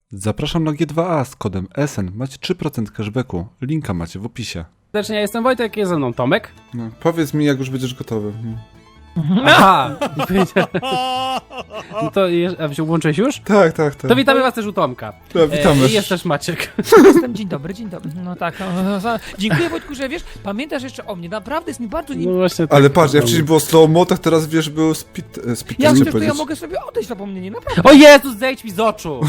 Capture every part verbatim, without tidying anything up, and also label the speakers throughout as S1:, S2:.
S1: Zapraszam na G dwa A z kodem S N. Macie trzy procent cashbacku. Linka macie w opisie.
S2: Serdecznie, ja jestem Wojtek, jest ze mną Tomek.
S1: No, powiedz mi, jak już będziesz gotowy.
S2: Aha! No to je, a wziął- włączyłeś już?
S1: Tak, tak, tak.
S2: To witamy was też u Tomka.
S1: Ja, witamy.
S2: E, I jest też Maciek.
S3: Jestem, dzień dobry, dzień dobry. No tak, no, no, no. Dziękuję Wojtku, że wiesz, pamiętasz jeszcze o mnie, naprawdę jest mi bardzo
S2: No
S3: nie...
S2: właśnie tak.
S1: Ale patrz, jak wcześniej było slow mo, tak teraz wiesz, był speed, e, speed
S3: Ja
S1: chciałem
S3: myślę, że to ja
S1: powiedzieć.
S3: mogę sobie odejść zapomnienie, naprawdę.
S2: O Jezus, zejdź mi z oczu!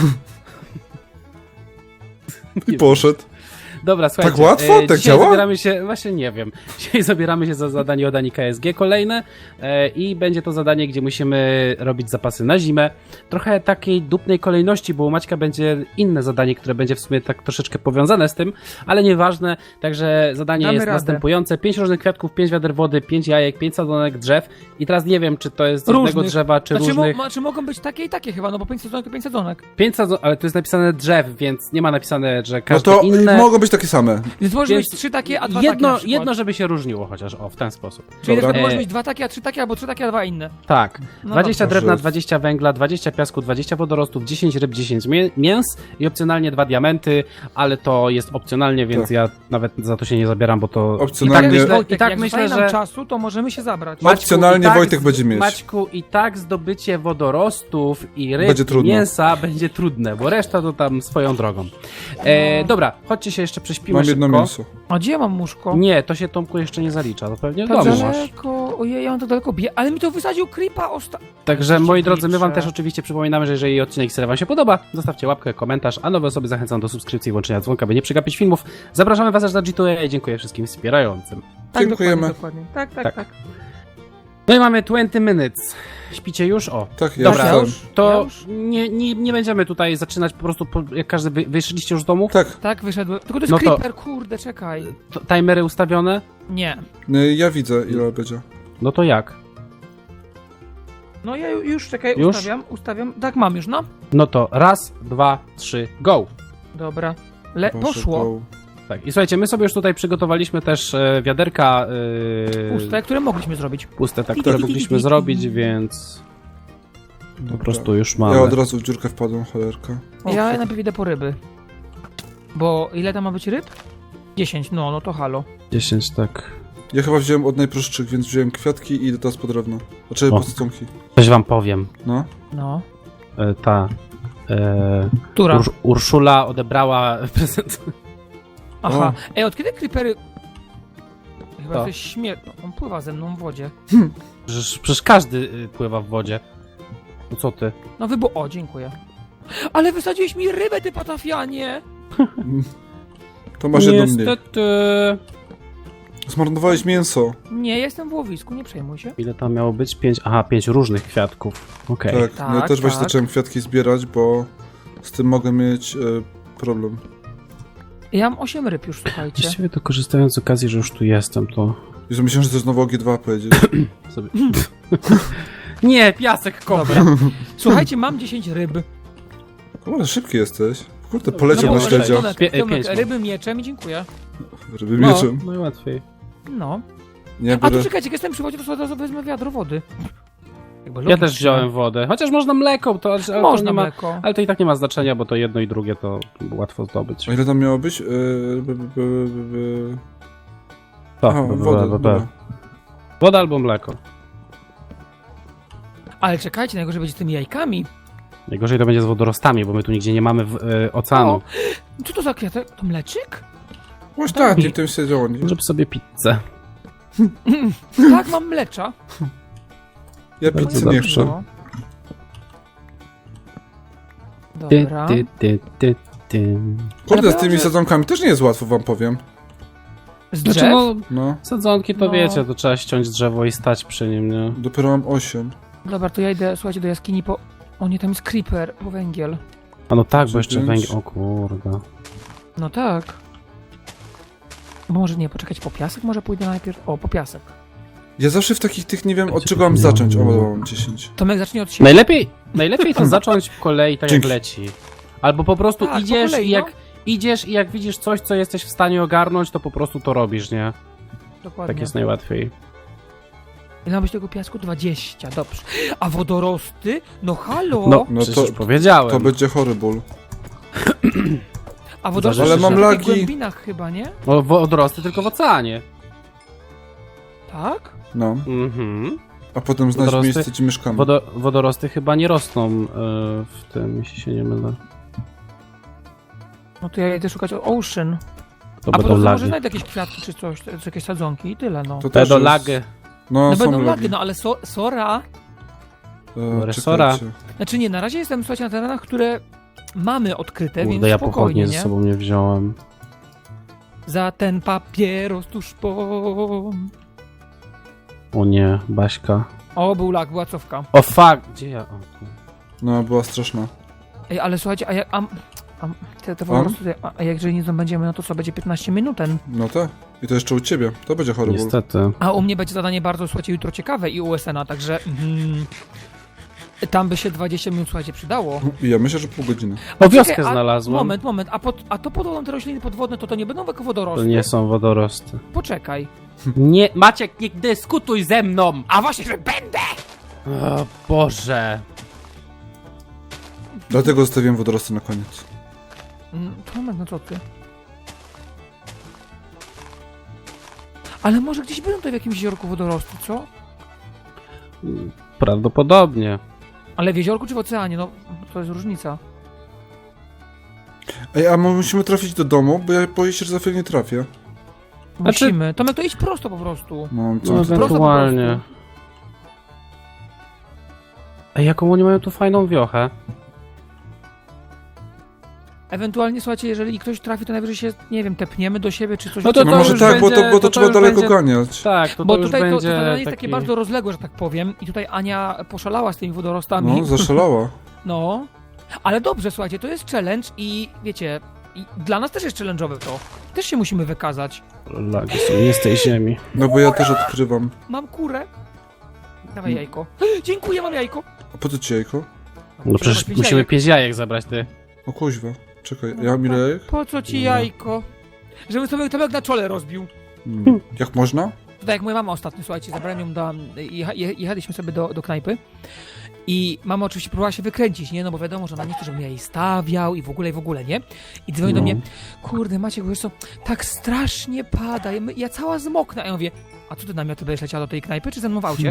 S1: I poszedł.
S2: Dobra, słuchajcie.
S1: Tak łatwo?
S2: e,
S1: Tak
S2: dzisiaj
S1: działa?
S2: zabieramy się, właśnie nie wiem. Dzisiaj zabieramy się za zadanie od Ani K S G kolejne e, i będzie to zadanie, gdzie musimy robić zapasy na zimę. Trochę takiej dupnej kolejności, bo u Maćka będzie inne zadanie, które będzie w sumie tak troszeczkę powiązane z tym, ale nieważne. Także zadanie
S3: Damy
S2: jest
S3: radę.
S2: następujące. Pięć różnych kwiatków, pięć wiader wody, pięć jajek, pięć sadzonek drzew i teraz nie wiem, czy to jest z jednego
S3: Różnych.
S2: drzewa, czy
S3: Znaczy,
S2: różnych.
S3: mo, ma, czy mogą być takie i takie chyba, no bo pięć sadzonek to pięć sadzonek.
S2: Pięć sadzonek, ale tu jest napisane drzew, więc nie ma napisane, że
S1: No
S2: każde
S1: to
S2: inne.
S1: mogą być takie same.
S3: Więc może
S2: Więc
S3: być trzy takie, a dwa
S2: jedno,
S3: takie na przykład.
S2: jedno, żeby się różniło chociaż, o, w ten sposób.
S3: Czyli na
S1: Dobra.
S3: przykład może
S2: E,
S3: być dwa takie, a trzy takie, albo trzy takie, a dwa inne.
S2: Tak.
S3: No
S2: dwadzieścia
S1: dobrze.
S2: drewna, dwadzieścia węgla, dwadzieścia piasku, dwadzieścia wodorostów, dziesięć ryb, dziesięć mię mięs i opcjonalnie dwa diamenty, ale to jest opcjonalnie, więc
S1: Tak.
S2: ja nawet za to się nie zabieram, bo to
S1: Opcjonalnie-
S2: i tak myślę,
S3: Wojtek,
S2: i tak
S3: jak
S2: myślę,
S3: zostaje nam
S2: że
S3: czasu, to możemy się zabrać.
S1: Ma- Opcjonalnie
S2: i tak
S1: Wojtek
S2: z-
S1: będzie mieć.
S2: Maćku, i tak zdobycie wodorostów i ryb,
S1: Będzie
S2: i
S1: trudno.
S2: mięsa będzie trudne, bo reszta to tam swoją drogą. E, dobra, chodźcie się jeszcze prześpimy
S1: Mam jedno
S2: szybko.
S1: mięso.
S3: A gdzie ja mam łóżko?
S2: Nie, to się Tomku jeszcze nie zalicza, to pewnie w
S3: Tak
S2: domu masz.
S3: daleko, ojej, ja mam tak daleko bie... Ale mi to wysadził creepa osta...
S2: Także
S3: Oczywiście
S2: moi drodzy, my wam
S3: liczę.
S2: też oczywiście przypominamy, że jeżeli odcinek serii wam się podoba, zostawcie łapkę, komentarz, a nowe osoby zachęcam do subskrypcji i włączenia dzwonka, by nie przegapić filmów. Zapraszamy was też na G dwa A i dziękuję wszystkim wspierającym.
S3: Tak,
S1: Dziękujemy.
S3: Dokładnie, dokładnie. Tak, tak,
S2: Tak.
S3: tak.
S2: No i mamy dwadzieścia minutes. Śpicie już? O.
S1: Tak, ja
S2: Dobra,
S3: Ja
S1: wstałem.
S3: już? Ja
S2: To
S3: już?
S2: nie, nie, nie będziemy tutaj zaczynać po prostu, po, jak każdy wy, wyszliście już z domu.
S1: Tak,
S3: Tak, wyszedłem. Tylko to jest
S2: No to-
S3: creeper, kurde, czekaj.
S2: To, timery ustawione?
S3: Nie.
S1: y, ja widzę, ile będzie.
S2: No to jak?
S3: No ja ju- już, czekaj,
S2: Już?
S3: ustawiam, ustawiam. Tak, mam już, no.
S2: No to raz, dwa, trzy, go!
S3: Dobra. Le
S1: Boże,
S3: poszło.
S1: go.
S2: Tak, i słuchajcie, my sobie już tutaj przygotowaliśmy też e, wiaderka e,
S3: Puste, które mogliśmy zrobić.
S2: puste, tak,
S3: Ti,
S2: które
S3: ti, ti,
S2: mogliśmy
S3: ti, ti.
S2: zrobić, więc po
S1: Dobra.
S2: prostu już mamy.
S1: Ja od razu w dziurkę wpadłem, cholerka.
S3: Ja najpierw idę po ryby. Bo ile tam ma być ryb? dziesięć, no, no to halo.
S2: dziesięć, tak.
S1: Ja chyba wziąłem od najprostszych, więc wziąłem kwiatki i idę teraz po drewno. Znaczy
S2: O.
S1: po stonki.
S2: Coś wam powiem.
S1: No.
S3: No.
S2: E, ta e,
S3: Która?
S2: Ur Urszula odebrała prezent.
S3: Aha. Ej, od kiedy creepery... Chyba
S2: To.
S3: coś śmierć. On pływa ze mną w wodzie.
S2: Przecież, przecież każdy y, pływa w wodzie. No co ty?
S3: No wybo... O, dziękuję. Ale wysadziłeś mi rybę, ty patafianie!
S1: To masz jedno mniej.
S2: Niestety.
S1: Zmarnowałeś mięso.
S3: Nie, jestem w łowisku, nie przejmuj się.
S2: Ile tam miało być? Pięć. Aha, pięć różnych kwiatków. Okej.
S1: Tak, no ja
S3: Tak,
S1: też właśnie
S3: tak.
S1: zacząłem kwiatki zbierać, bo z tym mogę mieć e, problem.
S3: Ja mam osiem ryb już, słuchajcie.
S2: Właściwie to korzystając z okazji, że już tu jestem, to
S1: Jezu, myślałem, że to znowu o G dwa powiedzieć.
S2: sobie... Nie, piasek kopra.
S3: Słuchajcie, mam dziesięć ryb.
S1: Ale szybki jesteś. Kurde, poleciał
S3: bo-
S1: na śledzia.
S3: Tomek,
S2: Pie-
S3: Tomek,
S2: pięć mam.
S3: ryby mieczem i dziękuję.
S1: Ryby
S2: No,
S1: mieczem.
S2: najłatwiej.
S3: No.
S1: Nie,
S3: A tu
S1: biorę...
S3: czekajcie, jak jestem przy wodzie, to sobie od razu wezmę wiadro wody. Jakby
S2: Ja
S3: logicznie.
S2: też wziąłem wodę. Chociaż można mleko, to, ale to
S3: Można
S2: nie ma,
S3: mleko.
S2: ale to i tak nie ma znaczenia, bo to jedno i drugie to łatwo zdobyć.
S1: A ile tam miało być? Yy, by, by, by, by, by.
S2: To,
S1: Aha,
S2: b- b-
S1: wodę,
S2: b- b-
S1: dobra.
S2: Woda albo mleko.
S3: Ale czekajcie, najgorzej będzie z tymi jajkami.
S2: Najgorzej to będzie z wodorostami, bo my tu nigdzie nie mamy w, e, oceanu.
S3: O, co to za kwiatek? To mleczyk?
S1: Właśnie tak, nie tym się działo. nie?
S2: Żeby sobie pizzę.
S3: Tak, mam mlecza.
S1: Ja
S2: Bardzo
S1: pizzy nie
S2: dobrze.
S1: chcę.
S3: No.
S2: Ty,
S3: Dobra.
S2: ty, ty, ty, ty.
S1: Kurde,
S3: Ale
S1: z tymi
S3: proszę.
S1: sadzonkami też nie jest łatwo, wam powiem.
S3: Z
S2: Znaczy,
S3: drzew?
S2: no,
S1: No,
S2: sadzonki to
S3: No.
S2: wiecie, to trzeba ściąć drzewo i stać przy nim, nie?
S1: dopiero mam osiem.
S3: Dobra, to ja idę, słuchajcie, do jaskini po... O nie, tam jest creeper, po węgiel.
S2: A no tak, bo jeszcze
S1: Dziewięć.
S2: węgiel. O kurde.
S3: No tak. Może nie, poczekać po piasek? Może pójdę najpierw... O, po piasek.
S1: Ja zawsze w takich tych nie wiem, od
S2: Będzie
S1: czego mam
S2: to
S1: zacząć. O,
S2: miało-
S1: mam dziesięć.
S3: Tomek zacznie od siebie.
S2: Najlepiej, najlepiej to zacząć po kolei tak jak
S1: Dzięki.
S2: leci. Albo po prostu
S3: Tak, po
S2: idziesz
S3: kolei,
S2: i jak
S3: no.
S2: idziesz i jak widzisz coś, co jesteś w stanie ogarnąć, to po prostu to robisz, nie?
S3: Dokładnie.
S2: Tak jest najłatwiej.
S3: Ile ma być tego piasku? dwadzieścia, dobrze. A wodorosty? No halo!
S2: No,
S1: No
S2: przecież
S1: to-
S2: już powiedziałem.
S1: To będzie chory ból.
S3: A wodorosty
S2: Ale
S3: są
S2: mam
S3: w takich
S1: lagi.
S3: głębinach chyba, nie?
S2: O, wodorosty tylko w oceanie.
S3: Tak?
S1: No,
S2: Mhm.
S1: a potem znać
S2: Wodorosty-
S1: miejsce, gdzie mieszkamy.
S2: Wodo, wodorosty chyba nie rosną e, w tym, jeśli się nie mylę.
S3: No to ja idę szukać o- Ocean.
S2: To
S3: A po
S2: będą
S3: drodze może
S2: lagi.
S3: znajdę jakieś kwiatki czy coś, czy jakieś sadzonki i tyle, no.
S1: To też
S2: Będą
S1: jest-
S2: lagi.
S1: No,
S3: No
S1: są
S3: będą
S1: lagi.
S3: lagi, no ale so, Sora...
S1: E,
S2: Resora.
S1: czekajcie.
S3: Znaczy nie, na razie jestem, słuchajcie, na terenach, które mamy odkryte,
S2: Kurde,
S3: więc
S2: ja
S3: spokojnie,
S2: pochodnie
S3: nie?
S2: ze sobą nie wziąłem.
S3: Za ten papieros tuż po...
S2: O nie, Baśka.
S3: O, był lag, była cofka.
S2: O fuck! Gdzie ja? O, tu.
S1: No, była straszna.
S3: Ej, ale słuchajcie, a jak... A, a, te, te wodorosty tutaj, a, a jak jeżeli nie zdobędziemy, no to co, będzie piętnaście minut ten.
S1: No tak. I to jeszcze u ciebie. To będzie horrible.
S2: Niestety.
S3: A u mnie będzie zadanie bardzo, słuchajcie, jutro ciekawe i u S N a, także... Mm, tam by się dwadzieścia minut, słuchajcie, przydało.
S1: I ja myślę, że pół godziny.
S2: O, wioskę
S3: Czekaj, a-
S2: znalazłem.
S3: Moment, moment, a, pod, a to podłożą te rośliny podwodne, to to nie będą jako wodorosty?
S2: To nie są wodorosty.
S3: Poczekaj.
S2: Nie, Maciek, nie dyskutuj ze mną!
S3: A właśnie, że będę!
S2: O Boże.
S1: Dlatego zostawiłem wodorosty na koniec.
S3: Mm, to moment, no co ty? Ale może gdzieś będą tutaj w jakimś jeziorku wodorosty, co?
S2: Prawdopodobnie.
S3: Ale w jeziorku czy w oceanie? No, to jest różnica.
S1: Ej, a my musimy trafić do domu, bo ja boję się, że za chwilę nie trafię.
S2: Znaczy-
S3: Musimy. Tomek, to idź prosto po prostu.
S1: No, co
S2: No,
S1: ty tak?
S2: ewentualnie. Ej, jaką oni mają tu fajną wiochę.
S3: Ewentualnie, słuchajcie, jeżeli ktoś trafi, to najwyżej się, nie wiem, tepniemy do siebie czy coś.
S2: No to
S1: No
S2: to
S1: może
S2: już
S1: tak, bo to,
S2: będzie-
S1: bo to,
S2: to
S1: trzeba
S2: już
S1: daleko
S2: będzie-
S1: ganiać.
S2: Tak, to,
S3: Bo
S2: to już
S3: tutaj to, to
S2: będzie
S3: zadanie jest
S2: taki...
S3: takie bardzo rozległe, że tak powiem. I tutaj Ania poszalała z tymi wodorostami.
S1: No, zaszalała.
S3: No. Ale dobrze, słuchajcie, to jest challenge i wiecie, i dla nas też jest challenge'owe to. Też się musimy wykazać.
S2: Lagi są nie z tej ziemi.
S1: No bo ja też odkrywam.
S3: Mam kurę. Dawaj
S1: Mm.
S3: jajko. Dziękuję, mam jajko.
S1: A po co ci jajko?
S2: No przecież
S3: Pięć
S2: musimy
S3: jajek.
S2: pięć jajek zabrać, ty.
S1: O kuźwa. Czekaj, ja mam ile jajek?
S3: Po co ci
S2: No.
S3: jajko? Żebym sobie Tomek na czole rozbił.
S1: Hmm. Jak można?
S3: Tak jak moja mama ostatnio, słuchajcie, zabrałem ją do... Jecha, je- jechaliśmy sobie do, do knajpy i mama oczywiście próbowała się wykręcić, nie? No bo wiadomo, że ona nie chce, żebym ja jej stawiał i w ogóle, i w ogóle, nie? I dzwoni do
S2: No.
S3: mnie, kurde Maciek, wiesz co, tak strasznie pada, ja, my- ja cała zmoknę. A ja mówię, a co ty namioty będziesz leciała do tej knajpy, czy ze mną w aucie?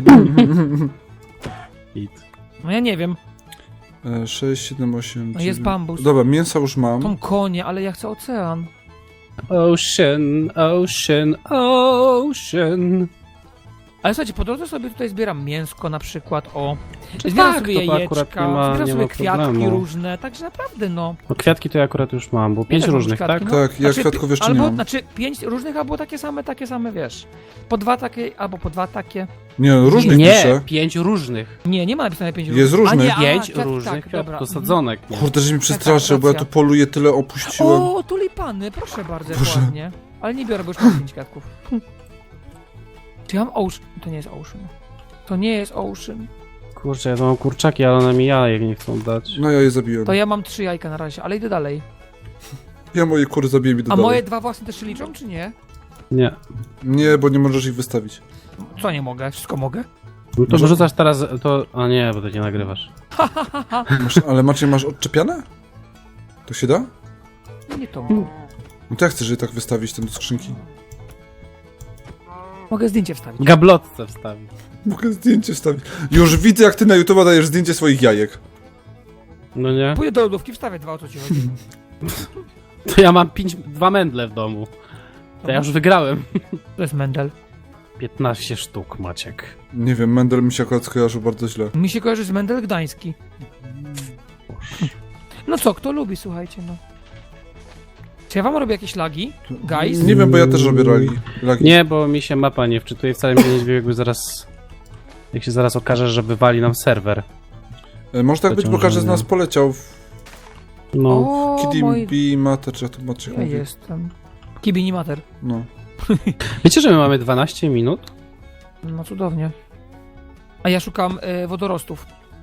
S2: Hit.
S3: No ja nie wiem,
S1: E, sześć, siedem, osiem,
S3: no jest bambus.
S1: Dobra, mięsa już mam.
S3: Tą konie, ale ja chcę ocean.
S2: Ocean, ocean, ocean.
S3: Ale słuchajcie, po drodze sobie tutaj zbieram mięsko na przykład, o.
S2: Czy
S3: Zbieram
S2: tak,
S3: sobie
S2: to
S3: jajeczka,
S2: akurat nie ma,
S3: zbieram
S2: nie
S3: sobie
S2: ma
S3: kwiatki
S2: problemu.
S3: różne, także naprawdę no.
S2: No kwiatki to ja akurat już mam, bo pięć
S3: też mam
S2: różnych,
S3: kwiatki,
S2: tak?
S3: no.
S1: Tak, ja kwiatków jeszcze
S3: albo,
S1: nie mam.
S3: Znaczy pięć różnych, albo takie same, takie same, wiesz. Po dwa takie, albo po dwa takie.
S1: Nie, różnych
S2: Nie,
S1: piszę.
S2: pięć różnych.
S3: Nie, nie ma napisane pięć
S1: Jest
S3: różnych.
S1: różnych.
S3: A nie, a,
S2: Pięć
S3: tak,
S2: różnych
S3: tak,
S2: kwiatów,
S3: dobra.
S2: to sadzonek. Nie?
S1: Kurde, że mi przestraszył,
S3: tak,
S1: bo ja
S3: racja.
S1: tu poluję, tyle opuściłem.
S3: O, tulipany, proszę bardzo, jak
S1: Boże.
S3: ładnie. Ale nie biorę, bo już mam pięć kwiatków. Czy ja mam ocean? To nie jest ocean. To nie jest ocean.
S2: Kurczę, ja to mam kurczaki, ale one mi jajek nie chcą dać.
S1: No ja je zabiłem.
S3: To ja mam trzy jajka na razie, ale idę dalej.
S1: Ja moje kury zabiję i do
S3: A
S1: dalej.
S3: moje dwa własne też się liczą, czy nie?
S2: Nie.
S1: Nie, bo nie możesz ich wystawić.
S3: Co nie mogę? Wszystko mogę?
S2: No to
S1: Może-
S2: wyrzucasz teraz, to... A nie, bo to nie nagrywasz.
S1: Masz, ale Maciej, masz odczepiane? To się da?
S3: Nie to.
S1: No to jak chcesz je tak wystawić tam do skrzynki?
S3: Mogę zdjęcie wstawić.
S2: Gablotce wstawić.
S1: Mogę zdjęcie wstawić. Już widzę, jak ty na YouTube dajesz zdjęcie swoich jajek.
S2: No nie?
S3: Pójdę do lodówki, wstawię dwa, o co ci chodzi.
S2: To ja mam pięć, dwa mędle w domu. To ja już wygrałem.
S3: To jest Mendel.
S2: piętnaście sztuk, Maciek.
S1: Nie wiem, Mendel mi się akurat skojarzył bardzo źle.
S3: Mi się kojarzy z Mendel Gdański. No co, kto lubi, słuchajcie, no. Czy ja wam robię jakieś lagi? Guys?
S1: Nie wiem, bo ja też robię lagi. lagi.
S2: Nie, bo mi się mapa nie wczytuje, wcale mi się nie dziwię, jakby zaraz... Jak się zaraz okaże, że wywali nam serwer.
S1: E, Może tak być, bo każdy z
S2: Pociążenie.
S1: nas poleciał w
S2: No,
S3: O, moi...
S1: Kidimbi Mater, czy jak to Maciek
S3: Ja
S1: mówi.
S3: jestem. Kibini Mater.
S1: No.
S2: wiecie, że my mamy dwanaście minut?
S3: No cudownie. A ja szukam y, wodorostów.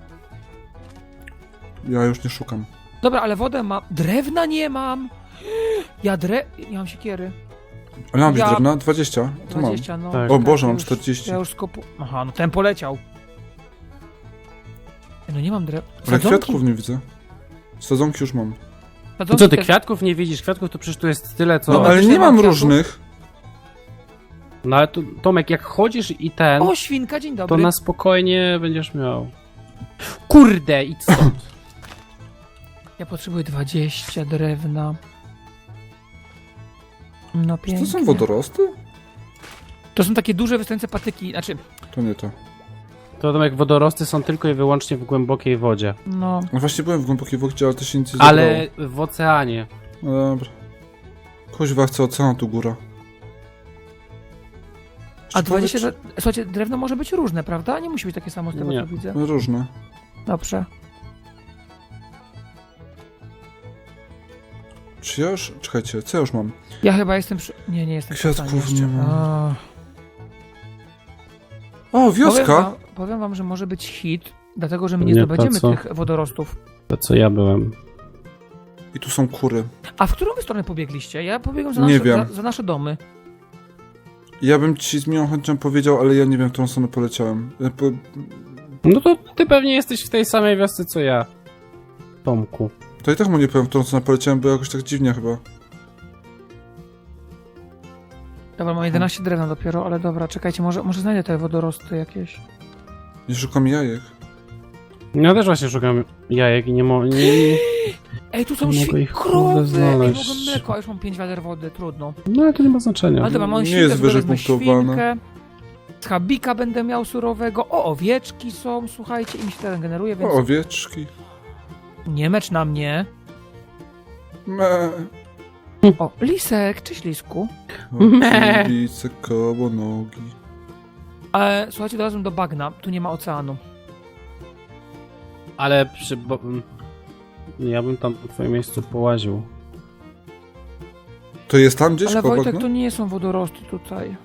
S1: Ja już nie szukam.
S3: Dobra, ale wodę mam. Drewna nie mam! Ja dre... Nie mam siekiery.
S1: Ale mam
S3: Ja-
S1: ja... drewna? dwadzieścia? To mam.
S3: dwadzieścia, no.
S2: Tak.
S1: O
S3: Tak,
S1: Boże,
S3: ja
S1: mam
S3: już-
S1: czterdzieści.
S3: Ja już skopu... Aha, no ten poleciał. No nie mam drewna.
S1: Ale kwiatków nie widzę. Sadzonki już mam.
S2: No co, ty kwiatków nie widzisz? Kwiatków to przecież tu jest tyle, co...
S1: No ale
S3: też
S1: nie
S3: nie mam
S1: mam
S3: kwiatów.
S1: różnych.
S2: No ale tu, Tomek, jak chodzisz i ten,
S3: O, świnka, dzień
S2: to
S3: dobry.
S2: na spokojnie będziesz miał... Kurde, idź stąd.
S3: Ja potrzebuję dwadzieścia drewna. No
S1: Czy
S3: pięknie.
S1: to są wodorosty?
S3: To są takie duże, wystające patyki, znaczy,
S1: To nie to.
S2: To Tomek, wodorosty są tylko i wyłącznie w głębokiej wodzie.
S3: no...
S1: No właśnie byłem w głębokiej wodzie, ale to się nic nie zabrało.
S2: Ale w oceanie.
S1: No dobra. Kuźwa, chcę ocean, tu góra.
S3: A
S1: Jeszcze
S3: dwadzieścia...
S1: powiedz,
S3: dre- Słuchajcie, drewno może być różne, prawda? Nie musi być takie samo z tego,
S2: Nie.
S3: co widzę.
S1: czy- Różne.
S3: Dobrze.
S1: Czy ja już... Czekajcie, co ja już mam?
S3: Ja chyba jestem przy... Nie, nie jestem
S1: Kwiatków
S3: przy stanie
S1: nie
S3: jeszcze.
S1: ma.
S3: A.
S1: O,
S3: Powiem
S1: wioska!
S3: wam, powiem wam, że może być hit, dlatego że my nie
S2: Nie,
S3: zdobędziemy
S2: to co?
S3: tych wodorostów.
S2: To co ja byłem.
S1: I tu są kury.
S3: A w którą wy stronę pobiegliście? Ja pobiegłem za
S1: Nie
S3: nasze,
S1: wiem.
S3: za, za nasze domy.
S1: Ja bym ci z miłą chęcią powiedział, ale ja nie wiem, w którą stronę poleciałem. Ja Po...
S2: No to ty pewnie jesteś w tej samej wiosce co ja. Tomku.
S1: To i tak mu nie powiem, w którą stronę poleciałem, bo jakoś tak dziwnie chyba.
S3: Dobra, mam jedenaście drewna dopiero, ale dobra, czekajcie, może, może znajdę te wodorosty jakieś.
S1: Nie szukam jajek.
S2: Ja też właśnie szukam jajek i nie mogę... Nie, nie...
S3: Ej, tu są
S2: Nie mogę
S3: świ-
S2: ich, kurde,
S3: krowy! Ej,
S2: znaleźć.
S3: mogę mleko, a już mam pięć wiader wody, trudno.
S2: No ale to nie ma znaczenia.
S3: Ale dobra, mam
S1: Nie
S3: świnkę,
S1: jest wyżej
S3: wezmę
S1: punktowane.
S3: świnkę. Schabika będę miał surowego. O, owieczki są, słuchajcie, i mi się teren generuje, więc...
S1: O, owieczki.
S3: Nie mecz na mnie.
S1: Me.
S3: O, lisek, cześć lisku.
S2: Me.
S1: Okibice koło nogi.
S3: Ale słuchajcie, dorazłem do bagna, tu nie ma oceanu.
S2: Ale przy... Bo... Ja bym tam w twoim miejscu połaził.
S1: To jest tam gdzieś
S3: Ale
S1: koło
S3: Wojtek,
S1: bagna?
S3: to nie są wodorosty tutaj.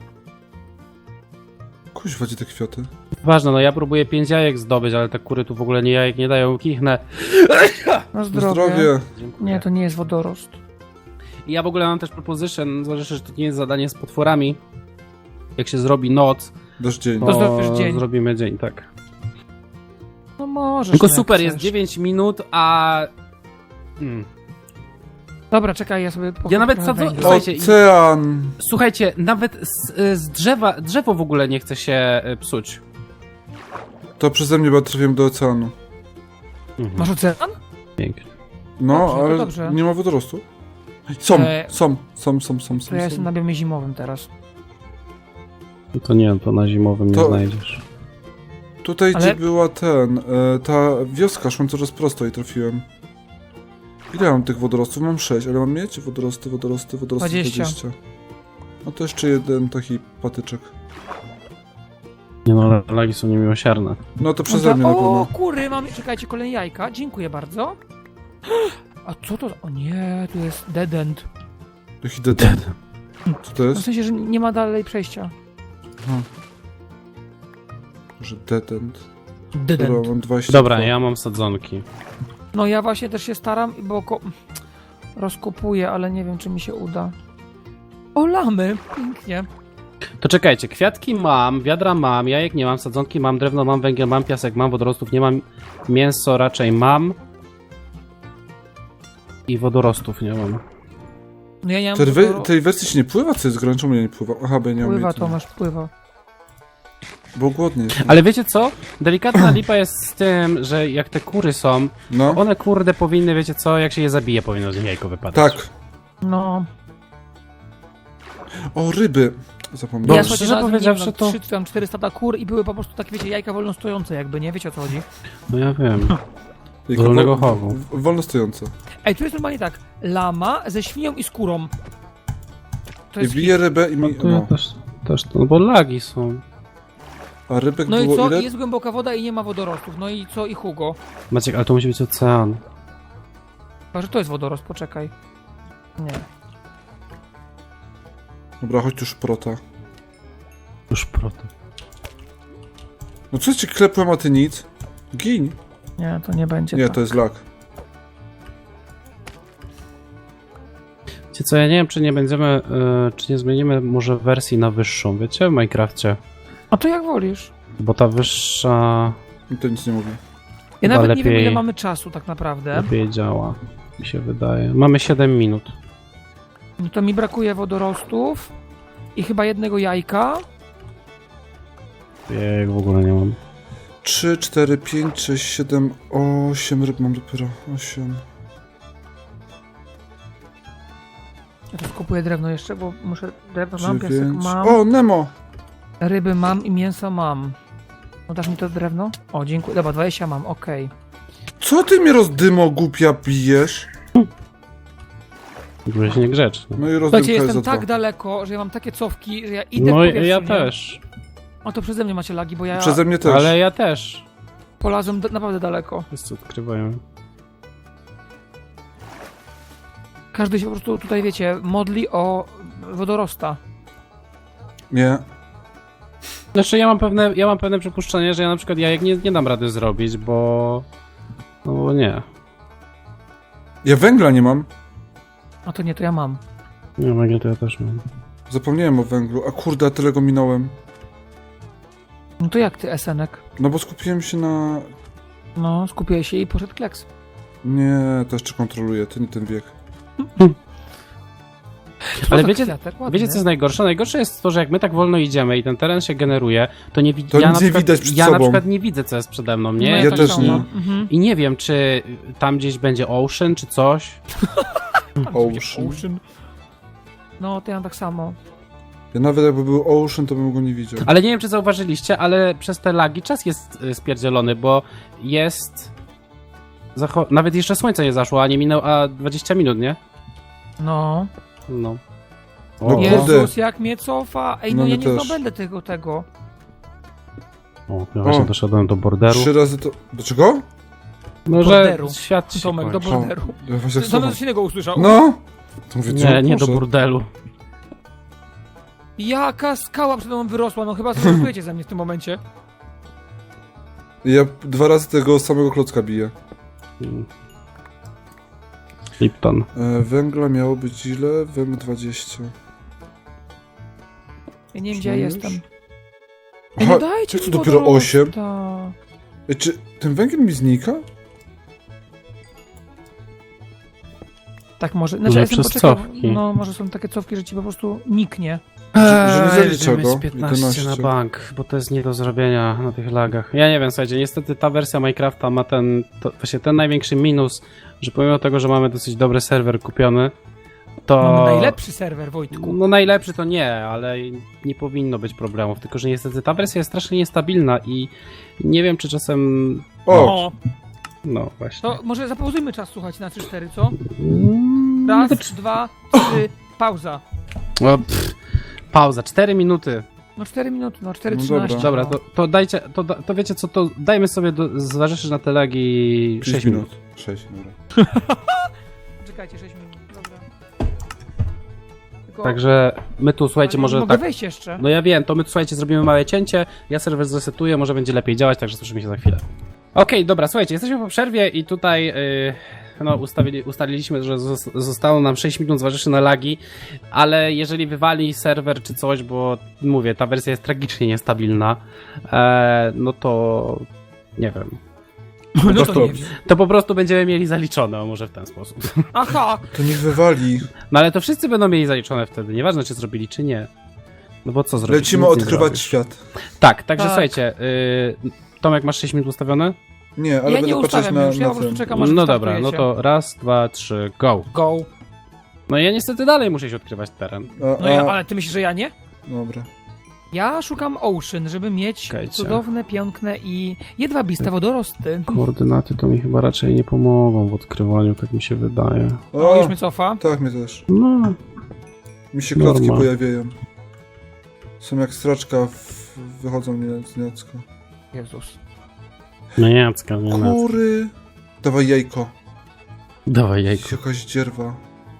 S1: Kuźwa, gdzie te kwiaty?
S2: Ważne, no ja próbuję pięć jajek zdobyć, ale te kury tu w ogóle nie jajek nie dają, kichnę.
S3: Na
S1: Zdrowie.
S3: zdrowie.
S1: Zdrowie.
S2: Dziękuję.
S3: Nie, to nie jest wodorost.
S2: I ja w ogóle mam też proposition, zależy, że to nie jest zadanie z potworami. Jak się zrobi noc,
S1: Dasz dzień.
S2: to,
S3: To zrobisz dzień.
S2: zrobimy dzień, tak.
S3: No możesz.
S2: Tylko
S3: no jak
S2: super, jest
S3: chcesz.
S2: dziewięć minut, a... Hmm.
S3: Dobra, czekaj, ja sobie po
S2: Ja nawet
S3: trochę
S2: sadzę-
S3: węgla.
S2: Słuchajcie, i-
S1: Ocean!
S2: Słuchajcie, nawet z, z drzewa, drzewo w ogóle nie chce się y, psuć.
S1: To przeze mnie, bo ja trafiłem do oceanu.
S2: Mhm.
S3: Masz ocean?
S2: Pięknie.
S1: No,
S3: Dobrze, to
S1: ale
S3: dobrze.
S1: nie ma wodorostu. Są,
S3: E,
S1: są, są, są, są,
S3: To
S1: są.
S3: ja
S1: są.
S3: jestem na biomie zimowym teraz.
S2: No to nie, to na zimowym
S1: To-
S2: nie znajdziesz.
S1: Tutaj,
S3: Ale-
S1: gdzie była ten, e, ta wioska, szłem coraz prosto i trafiłem. Ile mam tych wodorostów? Mam sześć, ale mam mieć wodorosty, wodorosty, wodorosty
S3: dwadzieścia.
S1: dwadzieścia. No to jeszcze jeden taki patyczek.
S2: Nie no, ale lagi są niemiłosierne.
S1: No to przeze mnie na
S3: o,
S1: pewno.
S3: kury, mamy, czekajcie, kolejne jajka. Dziękuję bardzo. A co to? O nie, tu jest dead end.
S1: Jaki dead. Co to
S3: W
S1: jest?
S3: sensie, że nie ma dalej przejścia.
S1: Aha. Może dead end.
S3: Dead
S1: Dobra,
S3: end.
S1: mam dwadzieścia.
S2: Dobra, ja mam sadzonki.
S3: No ja właśnie też się staram, bo ko- rozkopuję, ale nie wiem, czy mi się uda. O, lamy! Pięknie.
S2: To czekajcie, kwiatki mam, wiadra mam, jajek nie mam, sadzonki mam, drewno mam, węgiel mam, piasek mam, wodorostów nie mam, mięso raczej mam. I wodorostów nie mam.
S3: No ja nie mam...
S1: Tej, we,
S3: wodoro-
S1: tej wersji się nie pływa? Co jest grane? Czemu ja nie pływa? Aha, bo ja nie mam
S3: Pływa,
S1: jej tu.
S3: Tomasz, pływa.
S1: Bo głodny jest.
S2: Ale wiecie co? Delikatna lipa jest z tym, że jak te kury są,
S1: No,
S2: one kurde powinny, wiecie co, jak się je zabije, powinno z nich jajko wypadać.
S1: tak.
S3: No.
S1: O, ryby. Zapomniałem.
S2: Bo
S3: ja
S2: szczerze
S3: słuchajcie,
S2: powiedziawszy,
S3: powiedziawszy
S2: to-
S3: trzy czy tam cztery stada kur i były po prostu takie, wiecie, jajka wolno stojące jakby, nie? Wiecie o co chodzi?
S2: No ja wiem.
S1: Jaka
S2: wolnego
S1: wol-
S2: chowu.
S1: w- Wolno stojące.
S3: Ej, tu jest normalnie tak, lama ze świnią i skórą. To
S1: I
S3: jest
S1: bije rybę i
S2: No
S1: mi...
S2: to ja
S1: No.
S2: też, też to, no bo lagi są.
S1: A rybek
S3: No i
S1: było
S3: co?
S1: ile?
S3: Jest głęboka woda i nie ma wodorostów. No i co? I Hugo?
S2: Maciek, ale to musi być ocean.
S3: Chyba, że to jest wodorost, poczekaj. Nie.
S1: Dobra, chodź tu szprota.
S2: Już proto.
S1: No co ci klepłem, a ty nic? Gin.
S3: Nie, to nie będzie
S1: Nie,
S3: tak.
S1: to jest lak.
S2: Wiecie co, ja nie wiem, czy nie będziemy, y, czy nie zmienimy może wersji na wyższą, wiecie, w Minecrafcie.
S3: A to jak wolisz.
S2: Bo ta wyższa
S1: I to nic nie mówi.
S3: Ja
S2: Chyba
S3: nawet nie wiem,
S2: lepiej-
S3: ile mamy czasu tak naprawdę.
S2: lepiej działa. mi się wydaje. Mamy siedem minut.
S3: No to mi brakuje wodorostów i chyba jednego jajka.
S2: Ja jak w ogóle nie mam.
S1: trzy, cztery, pięć, sześć, siedem, osiem ryb mam dopiero. osiem.
S3: Ja to skupuję drewno jeszcze, bo muszę... Drewno mam, piasek
S1: dziewięć.
S3: mam,
S1: O, Nemo!
S3: ryby mam i mięso mam. No dasz mi to drewno? O, dziękuję. Dobra, dwadzieścia mam, okej.
S1: Co ty mnie rozdymo głupia bijesz?
S2: Byłeś niegrzeczny.
S1: No i rozdymka
S3: Słuchajcie,
S1: jest
S3: jestem
S1: za
S3: tak
S1: dwa.
S3: daleko, że ja mam takie cofki, że ja idę
S2: No
S3: w
S2: i
S3: powietrzu,
S2: ja
S3: nie?
S2: też.
S3: O, to przeze mnie macie lagi, bo ja
S1: Przeze mnie też.
S2: Ale ja też.
S3: polazłem d- naprawdę daleko.
S2: Wszyscy odkrywają.
S3: Każdy się po prostu tutaj, wiecie, modli o wodorosta.
S1: Nie.
S2: Znaczy ja mam pewne, ja mam pewne przypuszczenie, że ja na przykład jajek nie, nie dam rady zrobić, bo... No bo nie.
S1: Ja węgla nie mam.
S3: A to nie, to ja mam.
S2: Nie wiem, to ja też mam.
S1: Zapomniałem o węglu. A kurde, a tyle go minąłem.
S3: No to jak ty, Esenek?
S1: No bo skupiłem się na...
S3: No, skupiłeś się i poszedł kleks.
S1: Nie, to jeszcze kontroluję. To nie ten wiek.
S2: Ale
S3: za
S2: wiecie,
S3: kwiatek, ładny.
S2: wiecie co jest najgorsze? Najgorsze jest to, że jak my tak wolno idziemy i ten teren się generuje, to nie widzi.
S1: To
S2: ja
S1: nic
S2: na
S1: nie
S2: przykład,
S1: widać przed
S2: Ja na
S1: sobą.
S2: przykład nie widzę, co jest przede mną, nie?
S3: No,
S1: Ja
S3: tak
S1: też
S3: samo.
S1: nie.
S3: Mhm.
S2: I nie wiem, czy tam gdzieś będzie Ocean, czy coś.
S1: Ocean.
S3: Ocean. No, to ja mam tak samo.
S1: Ja nawet jakby był Ocean, to bym go nie widział.
S2: Ale nie wiem, czy zauważyliście, ale przez te lagi czas jest y, spierdzielony, bo jest... Zacho- Nawet jeszcze słońce nie zaszło, a nie minęło, a dwadzieścia minut, nie?
S3: No.
S2: No.
S1: No
S2: O,
S1: kurde.
S3: Jezus, jak mnie cofa. Ej, no,
S1: No
S3: ja
S1: my
S3: nie
S1: też.
S3: zdobędę tego, tego.
S2: o, ja właśnie
S1: O.
S2: doszedłem do borderu.
S1: Trzy razy to... Do czego?
S2: No, że
S3: borderu.
S2: świat się
S3: Tomek, do
S2: kończy.
S3: borderu.
S1: Ja właśnie tak
S3: Tomek
S1: samo.
S3: coś innego usłyszał.
S1: No! To mówię, co
S2: Nie, nie do
S1: proszę.
S2: burdelu.
S3: Jaka skała przede mną wyrosła, no chyba sobie żartujecie ze mnie w tym momencie.
S1: Ja dwa razy tego samego klocka biję.
S2: Mm. Lipton.
S1: E, węgla miało być ile? Węg dwadzieścia.
S3: Ja nie wiem, gdzie ja
S1: Już?
S3: jestem. Ej,
S1: Aha,
S3: no dajcie
S1: jak
S3: mi
S1: to dopiero
S3: wodorosta.
S1: osiem? Ej, czy ten węgiel mi znika?
S3: Tak może,
S2: Może
S3: znaczy ja jestem
S2: przez
S3: poczekał,
S2: cofki.
S3: no może są takie cofki, że ci po prostu niknie.
S1: Że- że nie zalicza
S2: Eee,
S1: go.
S2: z piętnaście na
S1: jedenaście.
S2: bank, bo to jest nie do zrobienia na tych lagach. Ja nie wiem, słuchajcie, niestety ta wersja Minecrafta ma ten, to, właśnie ten największy minus, że pomimo tego, że mamy dosyć dobry serwer kupiony, to...
S3: Mamy najlepszy serwer, Wojtku.
S2: No najlepszy to nie, ale nie powinno być problemów, tylko że niestety ta wersja jest strasznie niestabilna i nie wiem, czy czasem...
S1: O!
S3: O,
S2: No właśnie.
S3: to może zapauzujmy czas, słuchać na trzy cztery, co?
S2: Mm,
S3: Raz,
S2: to czy-
S3: dwa, trzy, pauza.
S2: O, pff, pauza, cztery minuty.
S3: No cztery minuty, no cztery
S1: No
S3: trzynaście.
S2: Dobra, to, to dajcie, to, da- to wiecie co, to dajmy sobie, do, zważywszy na te lagi
S1: sześć
S2: sześć minut.
S1: sześć, dobra.
S3: Czekajcie, sześć minut, dobra. Tylko,
S2: Także my tu, słuchajcie,
S3: ale
S2: może
S3: mogę
S2: tak...
S3: wejść jeszcze.
S2: No ja wiem, to my, słuchajcie, zrobimy małe cięcie, ja serwer zresetuję, może będzie lepiej działać, także słyszymy się za chwilę. Okej, dobra, słuchajcie, jesteśmy po przerwie i tutaj yy, no, ustawili, ustaliliśmy, że zos- zostało nam sześć minut zważywszy na lagi, ale jeżeli wywali serwer czy coś, bo mówię, ta wersja jest tragicznie niestabilna, e, no to nie wiem.
S3: No
S1: to
S3: to nie
S1: dobrze.
S3: wiem.
S2: To po prostu będziemy mieli zaliczone, o może w ten sposób.
S3: Aha!
S1: To niech wywali.
S2: No ale to wszyscy będą mieli zaliczone wtedy, nieważne czy zrobili, czy nie. No bo co zrobić?
S1: Lecimy
S2: Nic nie
S1: odkrywać
S2: zrobisz.
S1: świat.
S2: Tak, także
S3: Tak.
S2: słuchajcie, yy, Tomek, masz sześć minut ustawione?
S1: Nie, ale
S3: Ja
S1: będę
S3: nie
S1: patrzeć
S3: ustawiam
S1: na,
S3: już, ja
S1: na
S3: po prostu
S1: ten.
S3: czekam aż
S2: No dobra, no
S3: wystartujecie.
S2: to raz, dwa, trzy, go.
S3: Go.
S2: No i ja niestety dalej muszę się odkrywać teren.
S1: A,
S3: No ja,
S1: a,
S3: ale ty myślisz, że ja nie?
S1: Dobra.
S3: Ja szukam Ocean, żeby mieć
S2: Czekajcie.
S3: cudowne, piękne i jedwabiste wodorosty.
S2: Koordynaty to mi chyba raczej nie pomogą w odkrywaniu, tak mi się wydaje.
S3: O,
S1: O,
S3: już mnie cofa.
S1: tak, mnie też.
S2: No,
S1: Mi się klocki
S2: Norma.
S1: pojawiają. Są jak straczka, w... wychodzą mnie z niacka.
S3: Jezus.
S2: no Jacka, nie na.
S1: Kury! Dawaj jajko.
S2: Dawaj jajko.
S1: Jakaś dzierwa.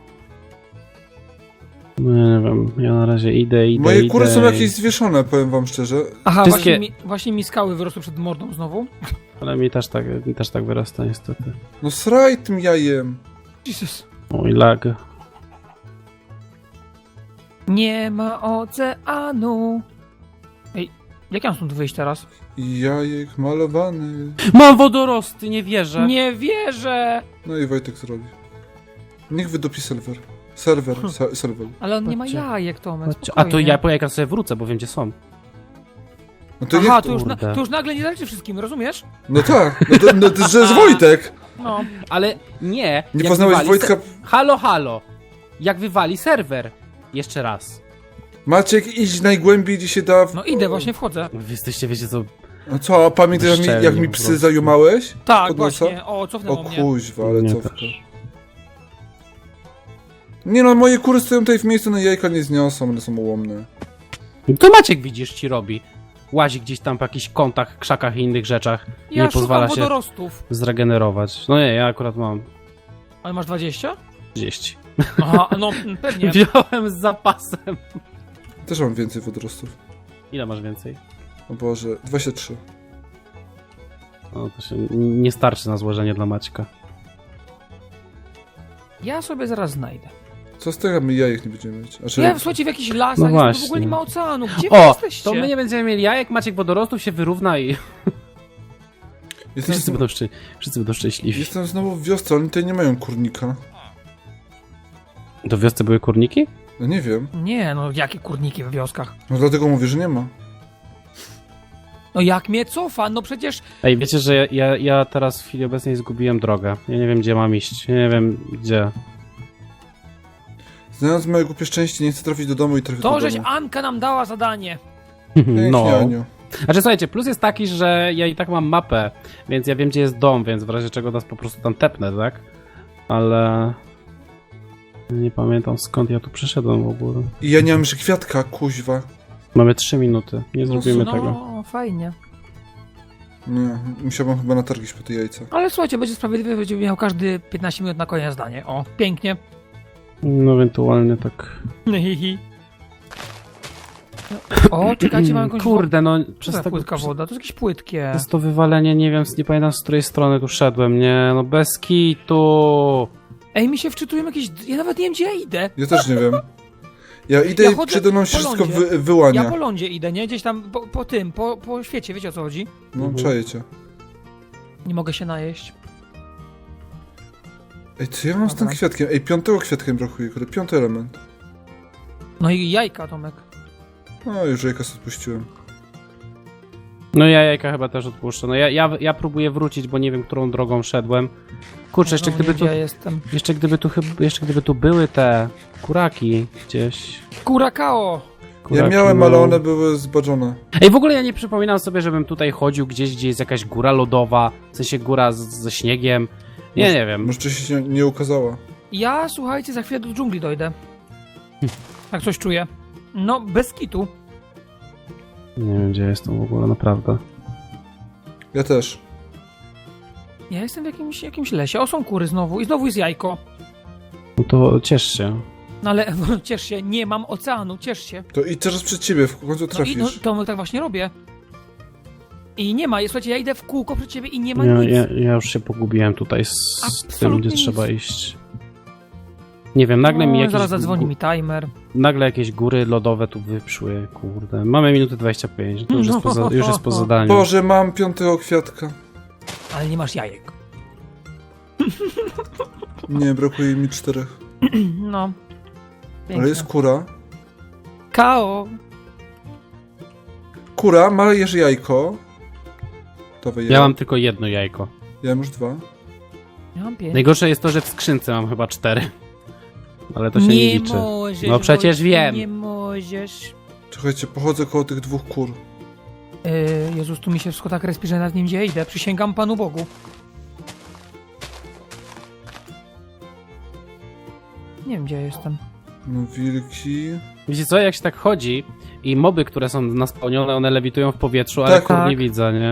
S2: No nie wiem, ja na razie idę, idę,
S1: Moje
S2: idę.
S1: kury są
S2: i-
S1: jakieś zwieszone, powiem wam szczerze.
S3: Aha,
S2: Wszystkie-
S3: właśnie, mi, właśnie mi skały wyrosły przed mordą znowu.
S2: Ale mi też tak, mi też tak wyrasta niestety.
S1: No sraj tym jajem.
S3: Jesus.
S2: Oj, lag.
S3: Nie ma oceanu. Ej, jak ja mam stąd wyjść teraz?
S1: Jajek malowany.
S2: Mam wodorosty, nie wierzę.
S3: Nie wierzę!
S1: No i Wojtek zrobi. Niech wydupi serwer. Serwer,
S3: Hm.
S1: se serwer.
S3: Ale on nie ma
S2: Chodźcie.
S3: jajek, Tomek,
S2: Chodźcie. A to
S3: spokojnie.
S2: ja po jajka sobie wrócę, bo wiem gdzie są.
S1: No to
S3: Aha,
S1: niech...
S3: to już, na,
S2: Kurde.
S3: to już nagle nie zależy wszystkim, rozumiesz?
S1: No tak, no to, no to że jest Wojtek.
S3: No.
S2: Ale nie.
S1: Nie
S2: jak
S1: poznałeś
S2: wywali
S1: Wojtka?
S2: Se... Halo, halo. Jak wywali serwer. Jeszcze raz.
S1: Maciek, idź najgłębiej, gdzie się da... W...
S3: No idę, właśnie wchodzę.
S2: Wy jesteście, wiecie co...
S1: No co, a pamiętasz jak mi, jak
S2: Bezczelni
S1: mi
S2: po
S1: psy
S2: prostu.
S1: zajumałeś?
S3: Tak,
S1: Pod nosa?
S3: właśnie. O,
S1: O
S3: cofnęło mnie.
S1: kuźwa, ale
S2: Nie,
S1: cofka.
S2: też.
S1: Nie no, moje kury stoją tutaj w miejscu, na jajka nie zniosą, one są ułomne.
S2: To Maciek widzisz ci robi. Łazi gdzieś tam po jakichś kątach, krzakach i innych rzeczach.
S3: Ja
S2: nie pozwala
S3: szukam
S2: się
S3: wodorostów.
S2: zregenerować. No nie, ja akurat mam
S3: Ale masz dwadzieścia?
S2: trzydzieści.
S3: Aha, no pewnie.
S2: Wziąłem z zapasem.
S1: Też mam więcej wodorostów.
S2: Ile masz więcej?
S1: O Boże, dwadzieścia trzy.
S2: No to się nie starczy na złożenie dla Maćka.
S3: Ja sobie zaraz znajdę.
S1: Co z tego, jak my jajek nie będziemy mieć? Znaczy,
S3: Ja słuchajcie w jakichś lasach,
S2: No
S3: jest, w
S2: właśnie.
S3: ogóle nie ma oceanu. Gdzie wy
S2: O,
S3: jesteście?
S2: to my nie będziemy mieli jajek, Maciek wodorostów się wyrówna i
S1: jestem,
S2: wszyscy będą, szczę... wszyscy będą szczęśliwi.
S1: jestem znowu w wiosce, oni tutaj nie mają kurnika.
S2: Do wiosce były kurniki?
S1: No nie wiem.
S3: Nie, no jakie kurniki w wioskach?
S1: No dlatego mówię, że nie ma.
S3: No jak mnie cofa? No przecież...
S2: Ej, wiecie, że ja, ja, ja teraz w chwili obecnej zgubiłem drogę. Ja nie wiem, gdzie mam iść. Ja nie wiem, gdzie.
S1: Znając moje głupie szczęście, nie chcę trafić do domu i trafię
S3: To,
S1: do
S3: żeś
S1: domu.
S3: Anka nam dała zadanie.
S1: Pięknie,
S2: No.
S1: Aniu.
S2: Znaczy, słuchajcie, plus jest taki, że ja i tak mam mapę, więc ja wiem, gdzie jest dom, więc w razie czego nas po prostu tam tepnę, tak? Ale... Nie pamiętam, skąd ja tu przyszedłem w ogóle.
S1: I ja nie mam jeszcze kwiatka, kuźwa.
S2: Mamy trzy minuty, nie zrobimy tego.
S3: No, fajnie.
S1: Nie, musiałbym chyba natargić po te jajca.
S3: Ale słuchajcie, będzie sprawiedliwy, będzie miał każdy piętnaście minut na koniec zdanie. O, pięknie.
S2: No ewentualnie tak...
S3: Hihi. O, czekajcie, mam jakąś
S2: Kurde, no
S3: wodę.
S2: przez
S3: Przez
S2: tego...
S3: płytka woda, to jest jakieś płytkie.
S2: Przez to wywalenie, nie wiem, nie pamiętam z której strony tu szedłem, nie, no bez kitu.
S3: Ej, mi się wczytują jakieś... Ja nawet nie wiem, gdzie ja idę.
S1: Ja też nie wiem. Ja idę
S3: Ja
S1: i
S3: chodzę
S1: przede mną się
S3: po
S1: wszystko
S3: lądzie.
S1: wy, wyłania.
S3: Ja po lądzie idę, nie? Gdzieś tam po, po tym, po, po świecie, wiecie o co chodzi?
S1: No,
S2: Mhm.
S1: czaję cię.
S3: Nie mogę się najeść.
S1: Ej, co ja mam z tym
S3: Dobra.
S1: kwiatkiem? Ej, piątego kwiatka mi brakuje, kurde, piąty element.
S3: No i jajka, Tomek.
S1: No, już jajka sobie odpuściłem.
S2: No ja jajka chyba też odpuszczę. No ja, ja, ja próbuję wrócić, bo nie wiem, którą drogą szedłem. Kurczę, jeszcze
S3: No,
S2: gdyby
S3: nie,
S2: tu,
S3: gdzie ja jestem.
S2: jeszcze gdyby tu chyba, jeszcze gdyby tu były te kuraki gdzieś.
S3: Kurakao!
S2: Kuraki,
S1: Ja miałem,
S2: no.
S1: ale one były zbaczone.
S2: Ej, w ogóle ja nie przypominam sobie, żebym tutaj chodził gdzieś, gdzie jest jakaś góra lodowa, w sensie góra z, ze śniegiem. Nie,
S1: Może-
S2: nie wiem.
S1: Może wcześniej się nie, nie ukazała.
S3: Ja, słuchajcie, za chwilę do dżungli dojdę. Tak coś czuję. No, bez kitu.
S2: Nie wiem, gdzie jestem w ogóle, naprawdę.
S1: Ja też.
S3: Ja jestem w jakimś, jakimś lesie. O, są kury znowu. I znowu jest jajko.
S2: No to ciesz się.
S3: No ale ciesz się, nie mam oceanu, ciesz się.
S1: To idź teraz przed ciebie, w końcu
S3: No i
S1: trafisz.
S3: no, to tak właśnie robię. I nie ma, słuchajcie, ja idę w kółko przed ciebie i nie ma
S2: Ja,
S3: nic.
S2: ja, ja już się pogubiłem tutaj z, z tym,
S3: Absolutnie
S2: gdzie
S3: nic.
S2: trzeba iść. Nie wiem, nagle mi
S3: O,
S2: jakieś...
S3: zaraz zadzwoni
S2: gó-
S3: mi timer.
S2: Nagle jakieś góry lodowe tu wyprzły, kurde. Mamy minutę dwadzieścia pięć, to już jest po, za, już jest po zadaniu.
S1: Boże, mam piątego kwiatka.
S3: Ale nie masz jajek.
S1: Nie, brakuje mi czterech.
S3: No. Piękne.
S1: Ale jest kura.
S3: Kao.
S1: Kura, malejesz jajko. Dawaj
S2: Ja mam tylko jedno jajko.
S1: Ja mam już dwa.
S3: Ja mam pięć.
S2: Najgorsze jest to, że w skrzynce mam chyba cztery. Ale to się nie,
S3: nie
S2: liczy.
S3: możesz.
S2: No przecież
S3: Wojtku,
S2: wiem.
S3: Nie możesz.
S1: Czekajcie, pochodzę koło tych dwóch kur.
S3: Yy, Jezus, tu mi się wszystko tak respi, że nad nim gdzie idę. Przysięgam Panu Bogu. Nie wiem, gdzie ja jestem.
S1: No wilki.
S2: Wiecie co, jak się tak chodzi i moby, które są naspełnione, one lewitują w powietrzu, ale
S1: Tak.
S2: kur nie
S3: Tak.
S2: widzę, nie?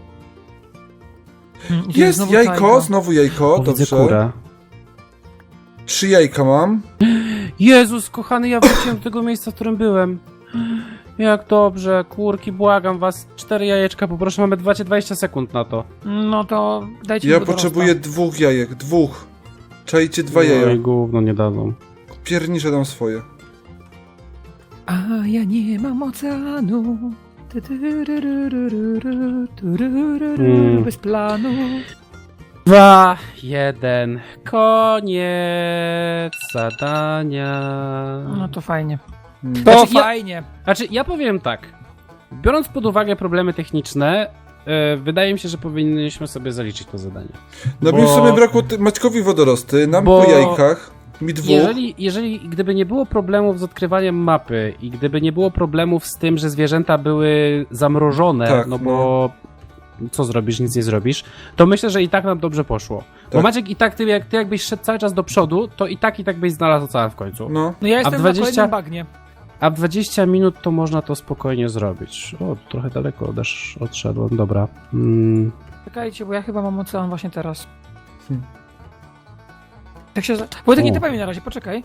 S3: Mm, gdzie
S1: Jest
S3: znowu
S1: jajko,
S3: tajga?
S1: znowu jajko,
S2: O, widzę
S1: dobrze.
S2: kurę.
S1: Trzy jajka mam.
S2: Jezus, kochany, ja wróciłem do tego miejsca, w którym byłem. Jak dobrze, kurki, błagam was. Cztery jajeczka, poproszę, mamy dwadzieścia sekund na to.
S3: No to dajcie
S1: Ja
S3: mi wodorosta.
S1: potrzebuję dwóch jajek, dwóch. Czajcie dwa
S2: Oj,
S1: jaja.
S2: gówno nie dadzą.
S1: Piernicze dam swoje.
S3: A ja nie mam oceanu. Ty, ty, ry, ry, ry, ry, ry, ty, ry, ry, ry,
S2: Mm.
S3: Bez planu.
S2: Dwa, jeden, koniec zadania.
S3: No to fajnie.
S1: Hmm.
S3: To
S2: Znaczy, ja-
S3: fajnie.
S2: Znaczy, ja powiem tak. Biorąc pod uwagę problemy techniczne, yy, wydaje mi się, że powinniśmy sobie zaliczyć to zadanie.
S1: No
S2: Bo-
S1: mi w sumie brakło ty- Maćkowi wodorosty, nam
S2: Bo-
S1: po jajkach, mi dwóch.
S2: Jeżeli, jeżeli gdyby nie było problemów z odkrywaniem mapy i gdyby nie było problemów z tym, że zwierzęta były zamrożone,
S1: Tak,
S2: no bo co zrobisz, nic nie zrobisz, to myślę, że i tak nam dobrze poszło. Bo
S1: Tak.
S2: Maciek, i tak ty, jak ty jakbyś szedł cały czas do przodu, to i tak i tak byś znalazł ocean w końcu.
S1: No.
S3: No ja jestem
S2: dwadzieścia
S3: na kolejnym bagnie.
S2: A w dwadzieścia minut to można to spokojnie zrobić. O, trochę daleko odesz, odszedłem, dobra. Mm.
S3: Czekajcie, bo ja chyba mam ocean właśnie teraz.
S1: Hmm.
S3: Tak się... za- Wojtek, nie
S2: U.
S3: tepaj mi na razie, poczekaj.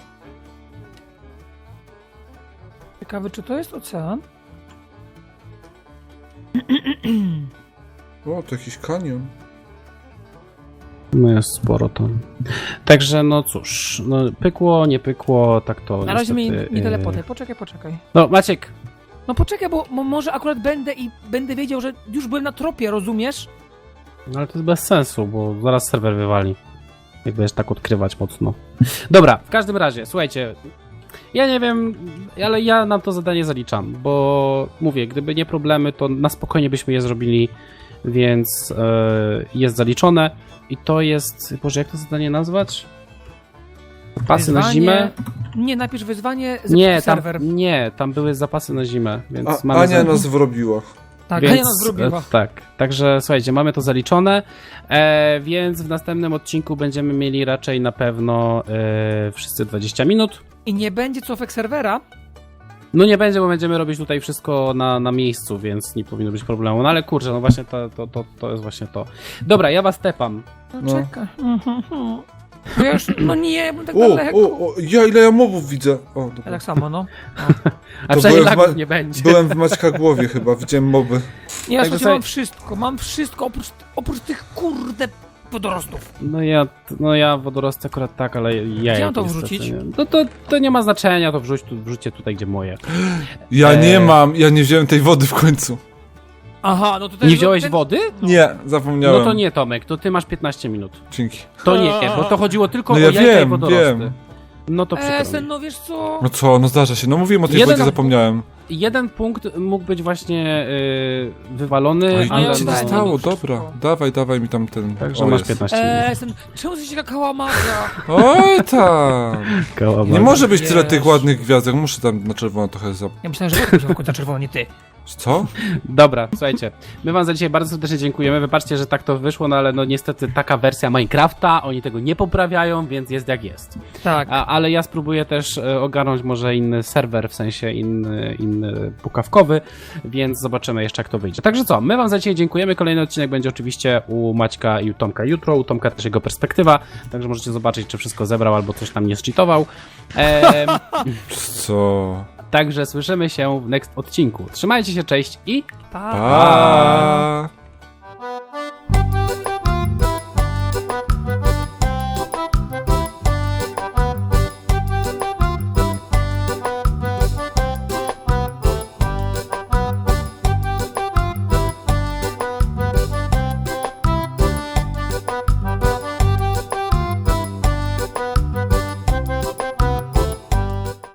S3: Ciekawy, czy to jest ocean?
S1: O, to jakiś kanion.
S2: No jest sporo tam. Także no cóż, no pykło, nie pykło, tak to
S3: Na razie mnie
S2: niestety,
S3: nie, nie
S2: e,
S3: telepotaj, poczekaj, poczekaj.
S2: No Maciek,
S3: No poczekaj, bo mo- może akurat będę i będę wiedział, że już byłem na tropie, rozumiesz?
S2: no ale to jest bez sensu, bo zaraz serwer wywali. Jak będziesz tak odkrywać mocno. Dobra, w każdym razie, słuchajcie. Ja nie wiem, ale ja nam to zadanie zaliczam, bo mówię, gdyby nie problemy, to na spokojnie byśmy je zrobili, więc e, jest zaliczone. I to jest, Boże, jak to zadanie nazwać? Zapasy na
S3: Wyzwanie-
S2: zimę?
S3: Nie, napisz wyzwanie z
S2: Nie, tam,
S3: serwer.
S2: nie, tam były zapasy na zimę, więc
S1: A,
S2: mamy
S1: Ania
S2: za-
S1: nas wrobiła.
S3: Tak,
S2: więc,
S3: Ania nas zrobiła.
S2: e, Tak, także słuchajcie, mamy to zaliczone, e, więc w następnym odcinku będziemy mieli raczej na pewno e, wszyscy dwadzieścia minut.
S3: I nie będzie cofek serwera.
S2: No nie będzie, bo będziemy robić tutaj wszystko na, na miejscu, więc nie powinno być problemu. No ale kurczę, no właśnie to, to, to, to jest właśnie to. Dobra, ja was tepam.
S3: No,
S1: No.
S3: czekaj. Mhm. No ja już, no nie, bo tak
S1: O,
S3: daleko.
S1: o, o, ja ile ja mobów widzę. O,
S3: Ja
S1: dobra.
S3: tak samo, no.
S2: A
S1: To
S2: przynajmniej
S1: byłem w
S2: lagów
S1: ma-
S2: nie będzie.
S1: Byłem w Maćka głowie chyba, widziałem moby.
S3: Ja
S2: Także
S3: słuchajcie,
S2: sobie-
S3: mam wszystko, mam wszystko oprócz, oprócz tych kurde wodorostów.
S2: No ja, no ja wodorosty akurat tak, ale ja
S3: Gdzie mam to wrzucić?
S2: No to, to nie ma znaczenia, to wrzuć tu, wrzućcie tutaj, gdzie moje.
S1: Ja nie
S2: Eee.
S1: mam, ja nie wziąłem tej wody w końcu.
S3: Aha, no to ten,
S2: Nie wziąłeś
S3: ten...
S2: wody?
S1: Nie,
S2: No
S1: zapomniałem.
S2: to nie, Tomek, to ty masz piętnaście minut.
S1: Dzięki.
S2: To nie, bo to chodziło tylko
S1: No
S2: o
S1: ja
S2: jajka i
S1: wiem,
S2: wodorosty.
S1: wiem.
S2: No to przykro
S3: E,
S2: mi.
S3: sen, no wiesz co?
S1: No co, no zdarza się. No mówiłem o tej
S2: Jeden-
S1: wodzie, zapomniałem.
S2: Jeden punkt mógł być właśnie y, wywalony,
S1: Oj,
S2: ale
S3: ja
S1: nic się nie
S3: dałem.
S2: no,
S1: stało,
S3: Wszystko.
S1: dobra. Dawaj, dawaj mi tam ten...
S2: także
S1: o,
S2: masz
S1: jest.
S2: piętnaście minut.
S3: E, sen, czemu coś taka kałamaga?
S1: Oj tam.
S2: Kałamarz.
S1: Nie może być tyle
S3: Jezu.
S1: tych ładnych gwiazdek, muszę tam na czerwono trochę za...
S3: Ja myślałem, że Wojtek wziął końca czerwono, nie ty.
S1: Co?
S2: Dobra, słuchajcie, my wam za dzisiaj bardzo serdecznie dziękujemy. Wybaczcie, że tak to wyszło, no ale no niestety taka wersja Minecrafta, oni tego nie poprawiają, więc jest jak jest.
S3: Tak.
S2: A, ale ja spróbuję też e, ogarnąć może inny serwer, w sensie inny, inny pukawkowy, więc zobaczymy jeszcze jak to wyjdzie. Także co, my wam za dzisiaj dziękujemy. Kolejny odcinek będzie oczywiście u Maćka i u Tomka jutro, u Tomka też jego perspektywa, także możecie zobaczyć, czy wszystko zebrał albo coś tam nie zcheatował. Em,
S1: Co?
S2: także słyszymy się w next odcinku. Trzymajcie się, cześć i
S3: Pa.
S1: Pa.